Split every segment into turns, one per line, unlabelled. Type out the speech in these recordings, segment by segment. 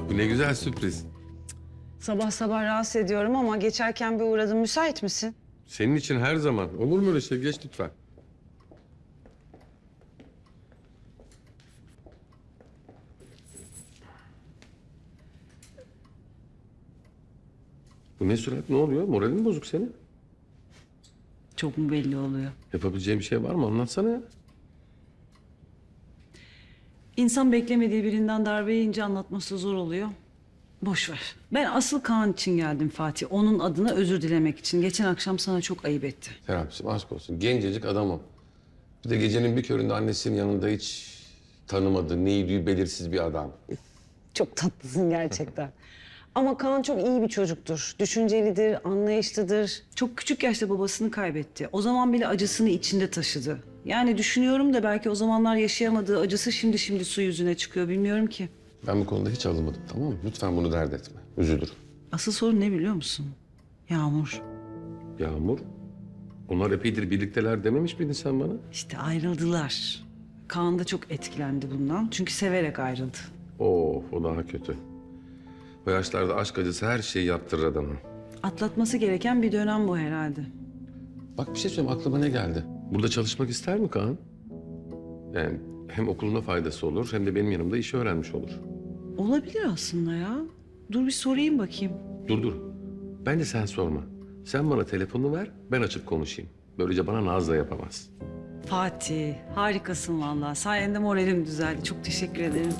Bu ne güzel sürpriz.
Sabah sabah rahatsız ediyorum ama geçerken bir uğradım. Müsait misin?
Senin için her zaman. Olur mu öyle şey? Geç lütfen. Bu ne surat? Ne oluyor? Moralin mi bozuk senin?
Çok mu belli oluyor?
Yapabileceğim bir şey var mı? Anlatsana ya.
İnsan beklemediği birinden darbe yiyince anlatması zor oluyor. Boş ver. Ben asıl Kaan için geldim Fatih. Onun adına özür dilemek için. Geçen akşam sana çok ayıp etti.
Serapcığım aşk olsun. Gencecik adamım. Bir de gecenin bir köründe annesinin yanında hiç tanımadığı, neydi belirsiz bir adam.
Çok tatlısın gerçekten. Ama Kaan çok iyi bir çocuktur. Düşüncelidir, anlayışlıdır. Çok küçük yaşta babasını kaybetti. O zaman bile acısını içinde taşıdı. Yani düşünüyorum da belki o zamanlar yaşayamadığı acısı şimdi su yüzüne çıkıyor. Bilmiyorum ki.
Ben bu konuda hiç alınmadım, tamam mı? Lütfen bunu dert etme. Üzülürüm.
Asıl sorun ne biliyor musun? Yağmur.
Yağmur, onlar epeydir birlikteler dememiş miydin sen bana?
İşte ayrıldılar. Kaan da çok etkilendi bundan. Çünkü severek ayrıldı.
Of, o daha kötü. O yaşlarda aşk acısı her şeyi yaptırır adamı.
Atlatması gereken bir dönem bu herhalde.
Bak bir şey söyleyeyim, aklıma ne geldi? Burada çalışmak ister mi Kaan? Yani hem okuluna faydası olur hem de benim yanımda işi öğrenmiş olur.
Olabilir aslında ya. Dur bir sorayım bakayım.
Dur. Bence sen sorma. Sen bana telefonunu ver, ben açıp konuşayım. Böylece bana naz da yapamaz.
Fatih, harikasın vallahi. Sayende moralim düzeldi. Çok teşekkür ederim.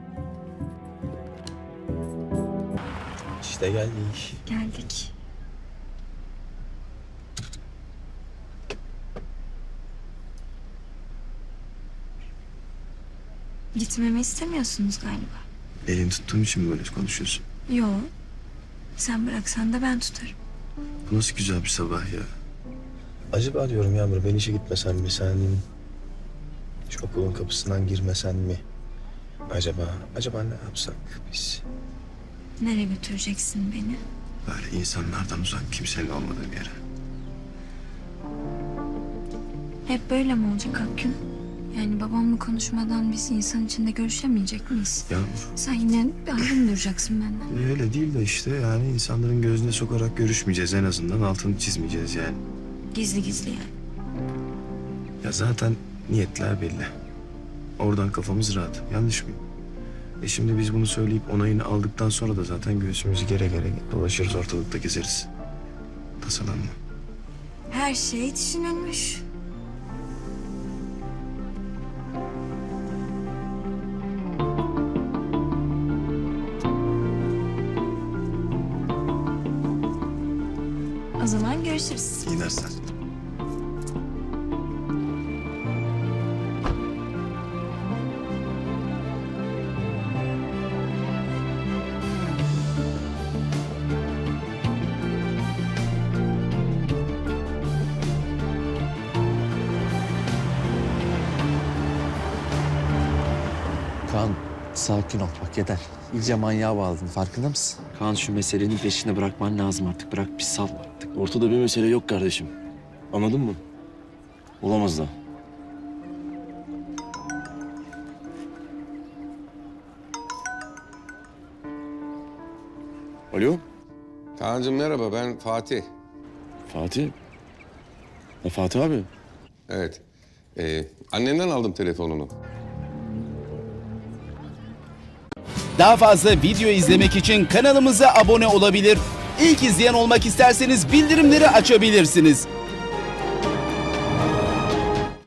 İşte geldik.
Geldik. Gitmemi istemiyorsunuz galiba.
Elini tuttuğum için mi böyle konuşuyorsun?
Yo. Sen bıraksan da ben tutarım.
Bu nasıl güzel bir sabah ya. Acaba diyorum Yağmur, ben işe gitmesen mi sen? Şu okulun kapısından girmesen mi? Acaba ne yapsak biz?
Nereye götüreceksin beni?
Böyle insanlardan uzak, kimsenin olmadığı bir yere.
Hep böyle mi olacak Akgün? Yani babamla konuşmadan biz insan içinde görüşemeyecek miyiz?
Yağmur,
Sen yine ayrı mı duracaksın benden?
öyle değil de işte yani insanların gözüne sokarak görüşmeyeceğiz, en azından altını çizmeyeceğiz yani.
Gizli gizli yani.
Ya zaten niyetler belli. Oradan kafamız rahat. Yanlış mıyım? Şimdi biz bunu söyleyip onayını aldıktan sonra da zaten göğsümüzü gere dolaşırız, ortalıkta gezeriz. Tasalanma.
Her şey düşünülmüş. O zaman görüşürüz.
İyi dersler.
Kaan sakin ol bak yeter. İyice manyağa bağladın farkında mısın?
Kaan şu meselenin peşini bırakman lazım artık. Bırak bir sal artık. Ortada bir mesele yok kardeşim. Anladın mı? Olamaz da. Alo
Kaan'cığım merhaba, ben Fatih.
Fatih. Ya Fatih abi.
Evet. Annenden aldım telefonunu.
Daha fazla video izlemek için kanalımıza abone olabilir. İlk izleyen olmak isterseniz bildirimleri açabilirsiniz.